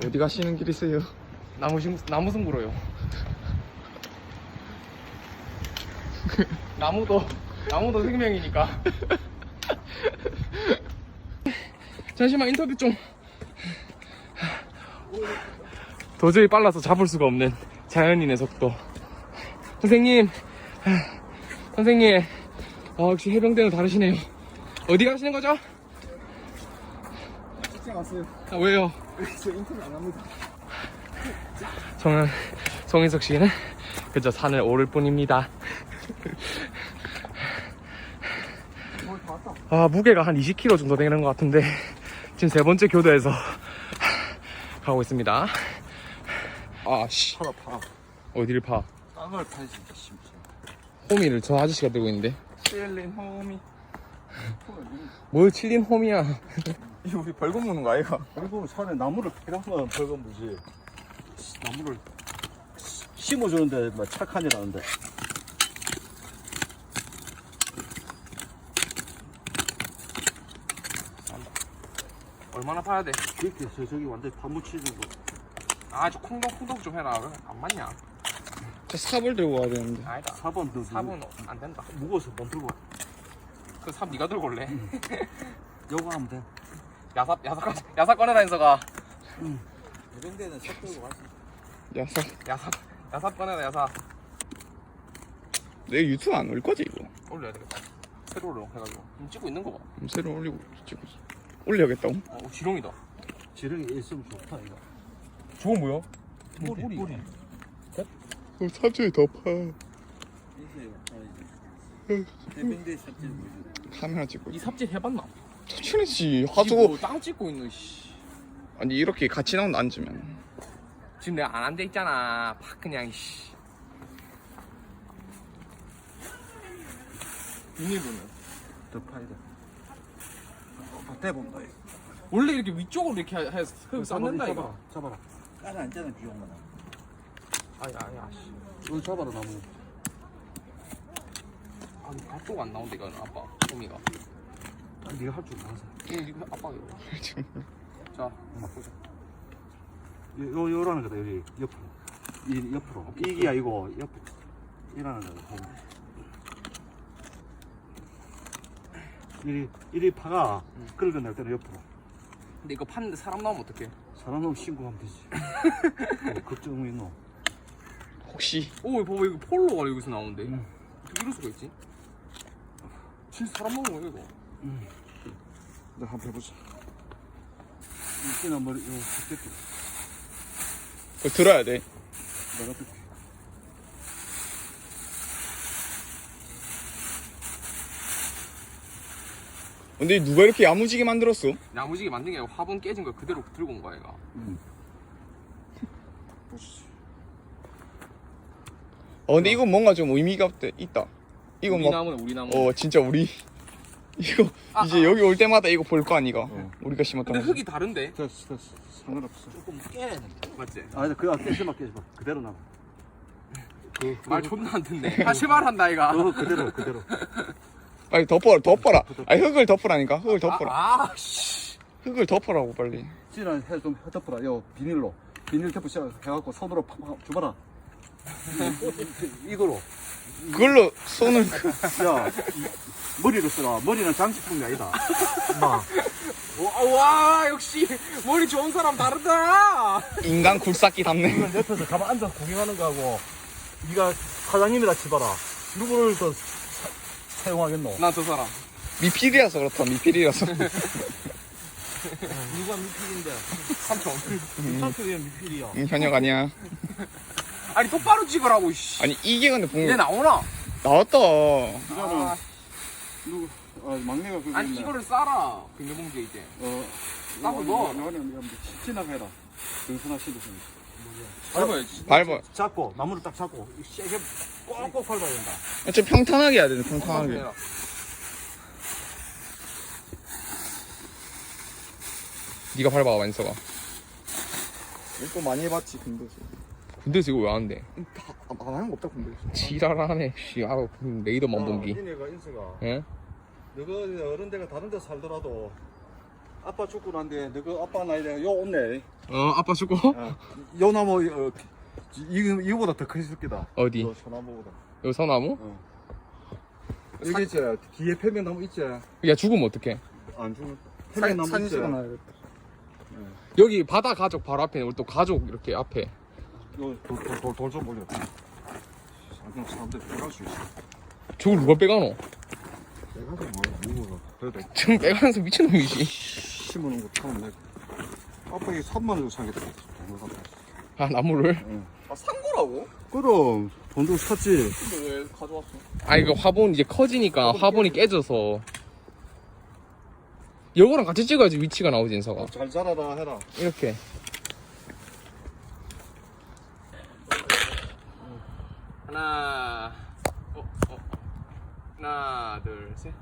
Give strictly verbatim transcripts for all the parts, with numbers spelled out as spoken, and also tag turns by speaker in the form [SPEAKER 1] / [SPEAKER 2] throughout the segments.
[SPEAKER 1] 어디 가시는 길이세요?
[SPEAKER 2] 나무 심 나무 승부로요. 나무도 나무도 생명이니까. 잠시만 인터뷰 좀. 도저히 빨라서 잡을 수가 없는 자연인의 속도. 선생님, 선생님, 아, 역시 해병대는 다르시네요. 어디 가시는 거죠?
[SPEAKER 1] 직장 왔어요.
[SPEAKER 2] 아, 왜요?
[SPEAKER 1] 저 인터뷰 안 합니다.
[SPEAKER 2] 저는 송인석 씨는 그저 산을 오를 뿐입니다. 아, 무게가 한 이십 킬로그램 정도 되는 것 같은데 지금 세 번째 교도에서 가고 있습니다. 아, 씨.
[SPEAKER 1] 팔아 파.
[SPEAKER 2] 어디를 파?
[SPEAKER 1] 땅을 파니까 심지어.
[SPEAKER 2] 호미를 저 아저씨가 들고 있는데.
[SPEAKER 1] 찔린 홈이.
[SPEAKER 2] 뭘 칠린 홈이야.
[SPEAKER 1] 이거 우리 벌금 무는 거 아이가? 벌금 산에 나무를 패라면 벌금 무지. 나무를 심어주는데 뭐 착한이라는데.
[SPEAKER 2] 얼마나 파야 돼?
[SPEAKER 1] 이렇게 저 저기 완전 다 묻히는 거.
[SPEAKER 2] 아, 저 콩덕콩덕 좀 해라. 왜 안 맞냐?
[SPEAKER 1] 저 삽을 들고 가야 되는데.
[SPEAKER 2] 아니다.
[SPEAKER 1] 사 번 더.
[SPEAKER 2] 삽은 안 된다.
[SPEAKER 1] 무거워서 못 들고 와.
[SPEAKER 2] 그 삽 네가 들고 올래?
[SPEAKER 1] 요거 하면 돼.
[SPEAKER 2] 야삽 야삽 야삽 꺼내라 인서가.
[SPEAKER 1] 해병대는 삽 들고 가지.
[SPEAKER 3] 야사
[SPEAKER 2] 야삽 야삽 꺼내라 야삽.
[SPEAKER 3] 내 유튜브 안 올 거지 이거?
[SPEAKER 2] 올려야 되겠다. 세로로 해가지고 지금 찍고 있는 거 봐.
[SPEAKER 3] 그럼 새로 올리고 찍고 있어. 올려야겠다고?
[SPEAKER 2] 어, 지렁이다.
[SPEAKER 1] 지렁이 있으면 좋다 이거.
[SPEAKER 2] 저건 뭐야?
[SPEAKER 1] 뿌리 뿌리.
[SPEAKER 3] 그럼 삽질이 더 파.
[SPEAKER 1] 해병대 삽질 뭐지?
[SPEAKER 3] 카메라 찍고
[SPEAKER 2] 이
[SPEAKER 3] 있어.
[SPEAKER 2] 삽질 해봤나?
[SPEAKER 3] 천천히지
[SPEAKER 2] 이거
[SPEAKER 3] 하수고.
[SPEAKER 2] 땅 찍고 있는 씨.
[SPEAKER 3] 아니 이렇게 같이 나온다 앉으면.
[SPEAKER 2] 지금 내가 안 한 데 있잖아. 팍 그냥 씨. 비닐로는
[SPEAKER 1] 더 파야 돼. 아, 대본다 이거.
[SPEAKER 2] 원래 이렇게 위쪽으로 이렇게 해서 흙 쌓는다 이거.
[SPEAKER 1] 잡아라. 까지 앉잖아 비용만.
[SPEAKER 2] 아야 아야 씨.
[SPEAKER 1] 이거 잡아라 나무.
[SPEAKER 2] 아니 앞쪽 안 나온다 이거는 아빠. 호미가.
[SPEAKER 1] 아, 네가 할 줄 알아서.
[SPEAKER 2] 이거 이거 아빠 이거. 자 바꾸자.
[SPEAKER 1] 요 요라는 거다 여기 옆으로. 이 옆으로. 이기야 이거 옆으로. 이라는 거다. 이리 이리 파가
[SPEAKER 2] 응.
[SPEAKER 1] 긁어낼 때는 옆으로.
[SPEAKER 2] 근데 이거 팠는데 사람 나오면 어떡해?
[SPEAKER 1] 사람 놈 신고하면 되지. 어, 걱정이 있노.
[SPEAKER 3] 혹시
[SPEAKER 2] 오 봐봐 이거 폴로가 여기서 나오는데
[SPEAKER 1] 응.
[SPEAKER 2] 어떻게 이럴 수가 있지? 진짜 사람 나오는 거야 이거.
[SPEAKER 1] 응. 내가 한번 해보자. 이때는 머리 이거 죽겠지.
[SPEAKER 3] 그거 들어야 돼.
[SPEAKER 1] 내가 듣게.
[SPEAKER 3] 근데 누가 이렇게 야무지게 만들었어?
[SPEAKER 2] 야무지게 만든 게 아니고 화분 깨진 걸 그대로 들고 온 거야 얘가.
[SPEAKER 1] 응. 보시지.
[SPEAKER 3] 어 근데 이건 뭔가 좀 의미가 있다. 이건
[SPEAKER 2] 우리
[SPEAKER 3] 막
[SPEAKER 2] 나무네 우리 나무.
[SPEAKER 3] 어 진짜 우리 이거
[SPEAKER 2] 아,
[SPEAKER 3] 이제
[SPEAKER 2] 아.
[SPEAKER 3] 여기 올 때마다 이거 볼 거 아니가?
[SPEAKER 1] 어.
[SPEAKER 3] 우리가 심었던
[SPEAKER 2] 근데
[SPEAKER 3] 거.
[SPEAKER 2] 흙이 다른데?
[SPEAKER 1] 됐어 됐어. 상관없어. 조금 깨야 돼.
[SPEAKER 2] 맞지?
[SPEAKER 1] 아, 그거 깨지 마 깨지 마. 그대로 놔. 그,
[SPEAKER 2] 말 존나 안 듣네. 다시 말한다 이가.
[SPEAKER 1] 그 그대로 그대로.
[SPEAKER 3] 빨리 덮어라 덮어라. 아니 흙을 덮으라니까 흙을 덮어라.
[SPEAKER 2] 아, 아 씨.
[SPEAKER 3] 흙을 덮으라고 빨리.
[SPEAKER 1] 진아 해좀 덮어라. 요 비닐로 비닐 덮어 시작 해갖고 손으로 팍팍 줘봐라. 이거로.
[SPEAKER 3] 그걸로 손을
[SPEAKER 1] 야 머리로 써라. 머리는 장식품이 아니다. 마.
[SPEAKER 2] 와, 와 역시 머리 좋은 사람 다르다.
[SPEAKER 3] 인간 굴삭기 담네.
[SPEAKER 1] 이건 옆에서 가만 앉아 구경하는 거하고 네가 사장님이라 치봐라. 누구를 더 사, 사용하겠노?
[SPEAKER 2] 난 저 사람.
[SPEAKER 3] 미필이라서 그렇다 미필이라서.
[SPEAKER 1] 누가 미필인데?
[SPEAKER 2] 삼촌.
[SPEAKER 1] 삼촌 왜 미필이야?
[SPEAKER 3] 응, 현역 아니야.
[SPEAKER 2] 아니 똑바로 찍으라고 씨.
[SPEAKER 3] 아니 이게 근데
[SPEAKER 2] 이제
[SPEAKER 3] 봉
[SPEAKER 2] 나오나?
[SPEAKER 3] 나왔다.
[SPEAKER 1] 이거는
[SPEAKER 2] 아,
[SPEAKER 1] 누구? 아 막내가 그거
[SPEAKER 2] 아니
[SPEAKER 1] 있네.
[SPEAKER 2] 이거를 싸라. 비닐봉지에 이제.
[SPEAKER 1] 어
[SPEAKER 2] 나도 넣어.
[SPEAKER 1] 이거는 지나가라. 등산하시는 분.
[SPEAKER 2] 밟아야지.
[SPEAKER 3] 밟아.
[SPEAKER 1] 잡고 나무를 딱 잡고 세게 꼭꼭 밟아야 된다.
[SPEAKER 3] 좀 평탄하게 해야 돼 평탄하게. 네가 밟아봐 완서가.
[SPEAKER 1] 이거 많이 해봤지 근데서.
[SPEAKER 2] 군대에서 이거 왜 하는데?
[SPEAKER 1] 안 하는 거 없다 근데.
[SPEAKER 2] 지랄하네. 씨, 아우 레이더
[SPEAKER 1] 어,
[SPEAKER 2] 어, 만본기.
[SPEAKER 1] 니네가 인수가.
[SPEAKER 2] 예?
[SPEAKER 1] 너가 어른 데가 다른 데 살더라도 아빠 죽고 난데 너그 아빠 나이 내가 요 온네.
[SPEAKER 2] 어 아빠 죽고?
[SPEAKER 1] 어, 요 나무 어, 이 이거보다 더 크실 거다.
[SPEAKER 2] 어디?
[SPEAKER 1] 요 소나무보다.
[SPEAKER 2] 여기 서나무?
[SPEAKER 1] 어. 여기 있지. 뒤에 편백나무 있지.
[SPEAKER 2] 야 죽으면 어떡해?
[SPEAKER 1] 안 죽어. 편백나무 있지.
[SPEAKER 2] 여기 바다 가족 바로 앞에 우리 또 가족 이렇게 앞에
[SPEAKER 1] 요돌돌돌좀 올려. 그냥 사람들 빼갈 수 있어.
[SPEAKER 2] 저걸 누가 빼가노?
[SPEAKER 1] 빼가서 뭐 이거가 그래도
[SPEAKER 2] 지금 빼가면서 미친놈이지.
[SPEAKER 1] 심어놓은 거 타면 내. 아빠 이게 삼만 원 주고 사겠다.
[SPEAKER 2] 아 나무를?
[SPEAKER 1] 응.
[SPEAKER 3] 아, 산 거라고?
[SPEAKER 1] 그럼 돈 주고 샀지.
[SPEAKER 3] 근데 왜 가져왔어?
[SPEAKER 2] 아 이거 화분 이제 커지니까 화분이 깨져서 요거랑 같이 찍어야지 위치가 나오지 인사가.
[SPEAKER 1] 잘 자라라 해라.
[SPEAKER 2] 이렇게 하나 어, 어. 하나 둘셋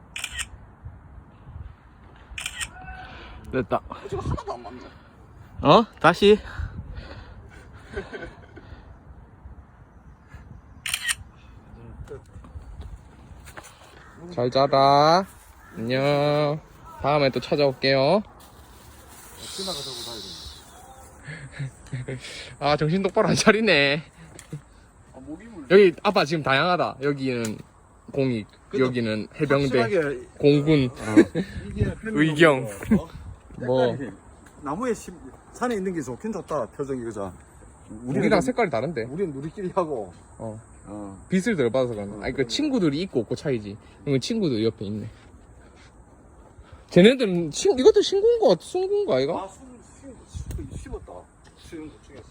[SPEAKER 2] 됐다.
[SPEAKER 3] 지금 하나도 안 맞네.
[SPEAKER 2] 어? 다시 잘 자라. 안녕. 다음에 또 찾아올게요.
[SPEAKER 1] 지나가자고 가야 돼.
[SPEAKER 2] 아 정신 똑바로 안 차리네.
[SPEAKER 3] 아, 목이 물.
[SPEAKER 2] 여기 아빠 지금 다양하다. 여기는 공익, 여기는 해병대,
[SPEAKER 1] 확실하게
[SPEAKER 2] 공군,
[SPEAKER 1] 이게 편백나무
[SPEAKER 2] 의경.
[SPEAKER 1] 어?
[SPEAKER 2] 뭐
[SPEAKER 1] 색깔이 나무에 심, 산에 있는 게 좋긴 좋다. 표정이 그자.
[SPEAKER 2] 우리랑 색깔이 다른데.
[SPEAKER 1] 우리는 우리끼리 하고.
[SPEAKER 2] 어.
[SPEAKER 1] 어.
[SPEAKER 2] 빛을 덜 받아서 그런가. 아니 그 친구들이 있고 없고 차이지. 이건 친구들 옆에 있네. 쟤네들은 친 이것도 신고인 거 같아. 숨긴 거 아이가?
[SPEAKER 1] 아, 숨, 숨, 숨, 심었다. 수영 중에서.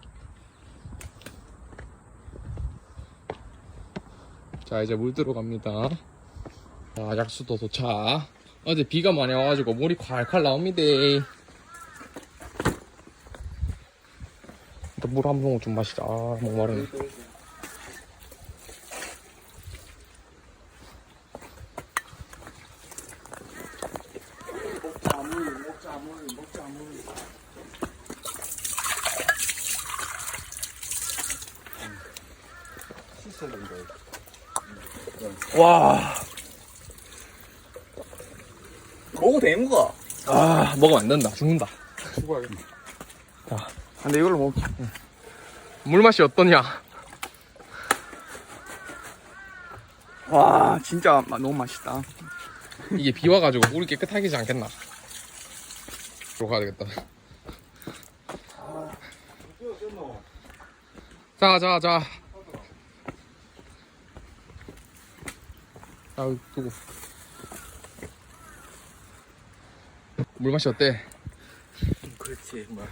[SPEAKER 2] 자 이제 물 들어갑니다. 자 약수도 도착. 어제 비가 많이 와가지고 물이 콸콸 나옵니다. 일단 물 한 모금 좀 마시자. 아 목마르네.
[SPEAKER 1] 먹자 물, 먹자 물, 먹자 물. 씻어야 된다.
[SPEAKER 2] 와.
[SPEAKER 3] 먹어도 되는 거야.
[SPEAKER 2] 아 먹으면 안 된다. 죽는다.
[SPEAKER 1] 수고하겠네.
[SPEAKER 2] 자
[SPEAKER 3] 근데 이걸로 먹.
[SPEAKER 2] 물 맛이 어떠냐?
[SPEAKER 3] 와, 진짜 마- 너무 맛있다.
[SPEAKER 2] 이게 비 와가지고 물이 깨끗하지 않겠나? 들어 가야 되겠다. 자, 자, 자. 아, 두고. 물 맛이 어때?
[SPEAKER 1] 그렇지, 뭐.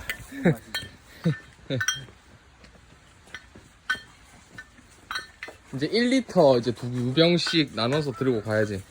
[SPEAKER 2] 이제 일 리터 이제 두 병씩 나눠서 들고 가야지.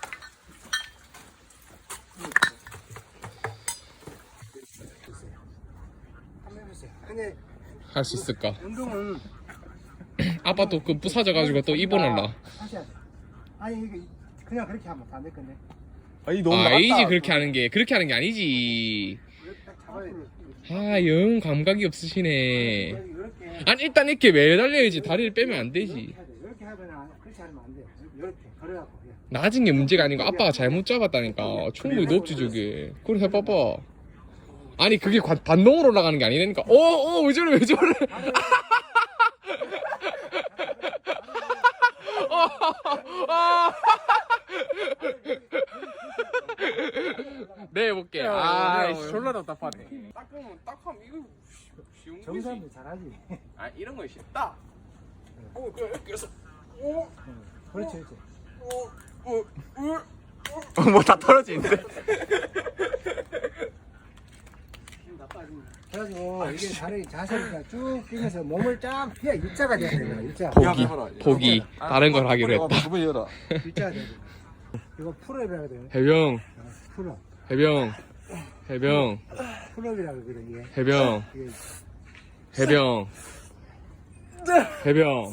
[SPEAKER 1] 한번 해보세요. 근데
[SPEAKER 2] 할 수 있을까?
[SPEAKER 1] 운동은
[SPEAKER 2] 아빠 또 그 부사져가지고 또 입원할라.
[SPEAKER 4] 하셔야 돼. 아니 이거 그냥 그렇게 하면 안 될 건데.
[SPEAKER 3] 아니, 너무
[SPEAKER 2] 아,
[SPEAKER 3] 나갔다.
[SPEAKER 2] 아니지 그렇게 하는 게. 그렇게 하는 게 아니지.
[SPEAKER 4] 이렇게 딱 잡아야 돼.
[SPEAKER 2] 아, 영 감각이 없으시네.
[SPEAKER 4] 이렇게
[SPEAKER 2] 아니 일단 이렇게 매달려야지. 다리를 빼면 안 되지.
[SPEAKER 4] 해야 돼. 이렇게 하면 안- 그렇게 하면 안 돼. 이렇게 걸어갖고. 예.
[SPEAKER 2] 낮은 게 문제가 아니고 아빠가 잘못 잡았다니까. 충분히 높지 저게. 그래 해봐봐. 아니 그게 관- 반동으로 올라가는 게 아니라니까. 어어 왜 저래 왜 저래. 네 해볼게. 아 졸라 답답하네.
[SPEAKER 3] 닦으면 닦으면 이거 쉬운 거지.
[SPEAKER 4] 정사람도 잘하지.
[SPEAKER 3] 아, 이런 거 쉽다. 어, 그래. 그래서 오,
[SPEAKER 4] 그렇지 그렇지.
[SPEAKER 3] 오, 오, 오. 뭐 다 떨어지는데.
[SPEAKER 4] 힘 나빠지네. 그래가지고 이게 다리 자세가 쭉 뛰면서 몸을 쫙 피해 일자가 돼야 돼. 일자.
[SPEAKER 2] 포기 포기 다른 걸 하기로 했다.
[SPEAKER 1] 두번 열어.
[SPEAKER 4] 일자가 돼야 돼. 이거 풀업이라고 돼.
[SPEAKER 2] 해병
[SPEAKER 4] 풀업.
[SPEAKER 2] 해병 해병
[SPEAKER 4] 풀업이라고 그래 이게.
[SPEAKER 2] 해병
[SPEAKER 4] 이게
[SPEAKER 2] 해병 해병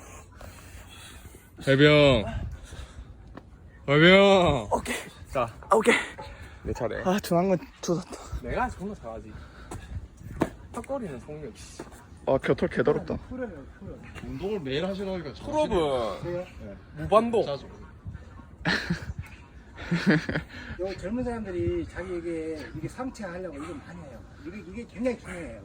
[SPEAKER 2] 해병 해병
[SPEAKER 3] 오케이.
[SPEAKER 2] 자
[SPEAKER 3] 아, 오케이.
[SPEAKER 2] 내 차례.
[SPEAKER 3] 아, 둔한 건 조졌다.
[SPEAKER 2] 내가 존나 잘하지. 턱걸이는 성미 없이.
[SPEAKER 3] 아, 겨털 개더럽다.
[SPEAKER 4] 풀업이야 풀업.
[SPEAKER 2] 운동을 매일 하시라니까.
[SPEAKER 3] 풀업은
[SPEAKER 4] 그래요?
[SPEAKER 3] 무반동.
[SPEAKER 2] 자주.
[SPEAKER 4] 요 젊은 사람들이 자기에게 이게 성취하려고 이거 많이 해요. 이게 이게 굉장히 중요해요.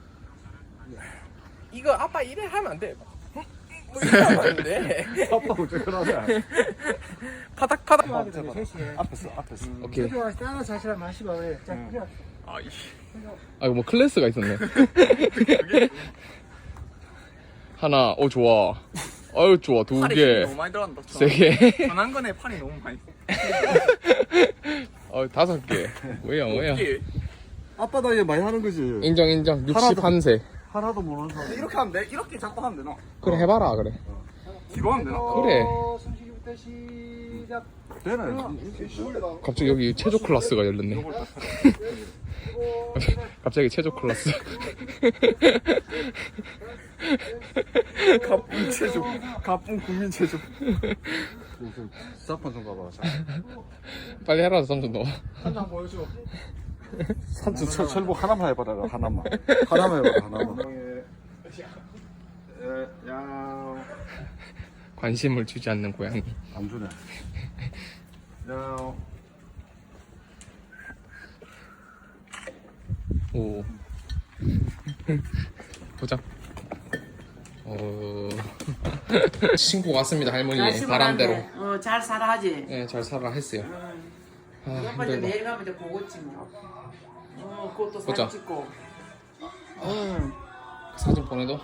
[SPEAKER 2] 이거 아빠 이래 하면 안 돼. 뭐 이래 하면 안 돼.
[SPEAKER 1] 아빠 어쩌라네.
[SPEAKER 2] 파닥 파닥.
[SPEAKER 4] 셋이
[SPEAKER 1] 앞에서 앞에서.
[SPEAKER 2] 오케이.
[SPEAKER 4] 필요하시 따라 자시라 마시고 그래. 자,
[SPEAKER 1] 응.
[SPEAKER 4] 그래.
[SPEAKER 2] 아 이거 뭐 클래스가 있었네. 하나, 오 좋아. 아유 좋아, 두 개,
[SPEAKER 3] 너무 많이 들어간다.
[SPEAKER 2] 세 개,
[SPEAKER 3] 전한 건에 판이 너무 많이.
[SPEAKER 2] 어 다섯 개. 뭐야 뭐야.
[SPEAKER 1] 아빠 나이에 많이 하는 거지.
[SPEAKER 2] 인정 인정. 육십일 세.
[SPEAKER 1] 하나도 모르는 사람.
[SPEAKER 3] 이렇게 하면 돼? 이렇게 자꾸 하면 되나?
[SPEAKER 2] 그래 해봐라 그래.
[SPEAKER 3] 뒤로 하면 되나?
[SPEAKER 2] 그래.
[SPEAKER 4] 숨쉬기부터 시작.
[SPEAKER 1] 되네.
[SPEAKER 2] 갑자기 여기 체조 클래스가 열렸네. 갑자기 체조 클래스.
[SPEAKER 3] 가쁜 체조. 가쁜 국민 체조.
[SPEAKER 1] 사판 좀 가봐.
[SPEAKER 2] 빨리 해라 삼촌 너.
[SPEAKER 3] 한장 보여줘.
[SPEAKER 1] 삼촌 철, 철복 하나만 해봐라. 하나만. 하나만 해봐라. 하나만. 야.
[SPEAKER 2] 관심을 주지 않는 고양이.
[SPEAKER 1] 안 주네. 야.
[SPEAKER 2] 오. 보자. 어. 신고 왔습니다 할머니 바람대로.
[SPEAKER 5] 어, 잘 살아 하지.
[SPEAKER 2] 네, 잘 살아 했어요. 아,
[SPEAKER 5] 몇 번째
[SPEAKER 2] 힘들다.
[SPEAKER 5] 내일 가면 이제 보고지 뭐. 어, 그것도
[SPEAKER 2] 보자.
[SPEAKER 5] 사진 찍고.
[SPEAKER 2] 사진 보내도.